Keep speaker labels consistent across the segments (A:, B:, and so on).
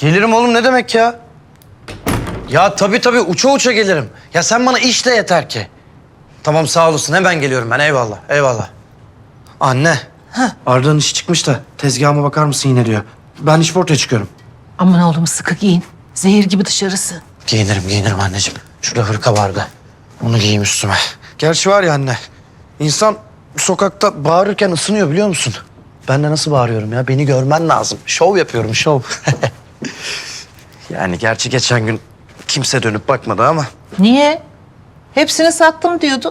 A: Gelirim oğlum, ne demek ya? Ya tabii uça uça gelirim. Ya sen bana işle yeter ki. Tamam, sağ olasın, hemen geliyorum ben, eyvallah eyvallah. Anne. Arda'nın işi çıkmış da tezgahıma bakar mısın yine diyor. Ben işportaya çıkıyorum.
B: Aman oğlum sıkı giyin. Zehir gibi dışarısı.
A: Giyinirim anneciğim. Şurada hırka vardı. Onu giyeyim üstüme. Gerçi var ya anne, insan sokakta bağırırken ısınıyor biliyor musun? Ben de nasıl bağırıyorum ya? Beni görmen lazım. Şov yapıyorum, şov. Yani gerçi geçen gün kimse dönüp bakmadı ama.
B: Niye? Hepsini sattım diyordun.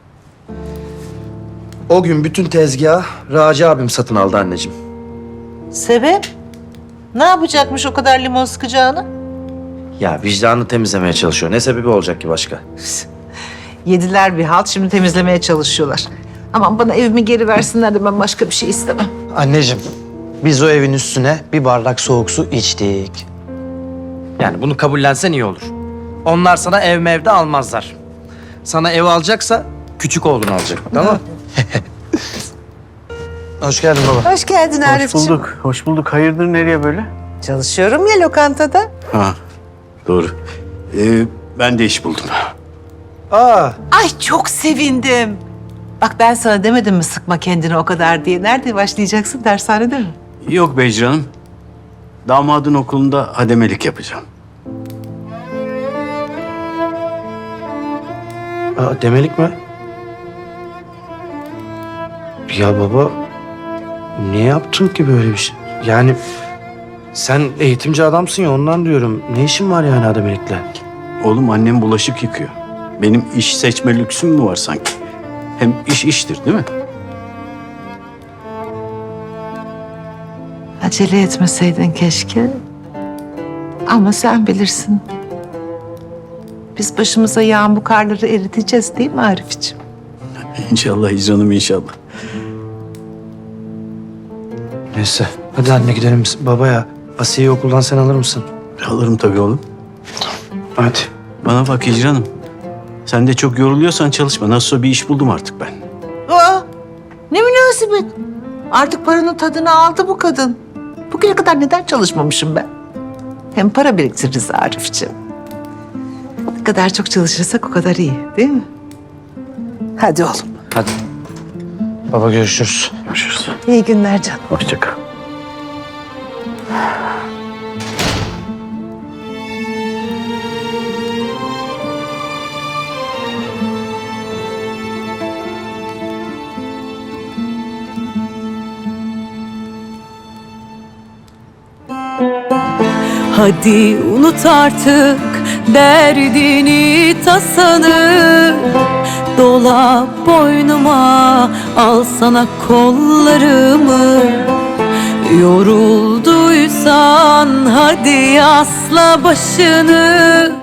A: O gün bütün tezgahı Raci abim satın aldı anneciğim.
B: Sebep? Ne yapacakmış o kadar limon sıkacağını?
A: Ya vicdanını temizlemeye çalışıyor. Ne sebebi olacak ki başka?
B: Yediler bir halt, şimdi temizlemeye çalışıyorlar. Aman bana evimi geri versinler de ben başka bir şey istemem.
A: Anneciğim, biz o evin üstüne bir bardak soğuk su içtik. Yani bunu kabullensen iyi olur. Onlar sana ev mevde almazlar. Sana ev alacaksa küçük oğlunu alacak, tamam mı? Hoş geldin baba.
B: Hoş geldin Arif'ciğim.
C: Hoş bulduk. Hayırdır, nereye böyle?
B: Çalışıyorum ya lokantada.
C: Ha, doğru. Ben de iş buldum.
A: Aa,
B: Ay çok sevindim. Bak ben sana demedim mi sıkma kendini o kadar diye. Nerede başlayacaksın? Dershanede mi?
C: Yok Becri Hanım. Damadın okulunda hademelik yapacağım.
A: demelik mi? Ya baba, niye yaptın ki böyle bir şey? Yani sen eğitimci adamsın ya, ondan diyorum. Ne işin var yani ademelikle?
C: Oğlum, annem bulaşık yıkıyor. Benim iş seçme lüksüm mü var sanki? Hem iş iştir değil mi?
B: Acele etmeseydin keşke. Ama sen bilirsin. Biz başımıza yağan bu karları eriteceğiz değil mi Arif'ciğim?
C: İnşallah Hicran'ım, inşallah.
A: Neyse, hadi anne gidelim biz. Baba ya, Asiye'yi okuldan sen alır mısın?
C: Alırım tabii oğlum.
A: Hadi.
C: Bana bak Hicran'ım. Sen de çok yoruluyorsan çalışma. Nasılsa bir iş buldum artık ben.
B: Aa, ne münasebet. Artık paranın tadını aldı bu kadın. Bugüne kadar neden çalışmamışım ben? Hem para biriktiririz Arif'ciğim. Ne kadar çok çalışırsak o kadar iyi değil mi? Hadi oğlum.
A: Hadi. Baba görüşürüz.
C: Görüşürüz.
B: İyi günler canım.
C: Hoşça kal.
D: Hadi unut artık derdini tasanı, dola boynuma, al sana kollarımı. Yorulduysan hadi asla başını,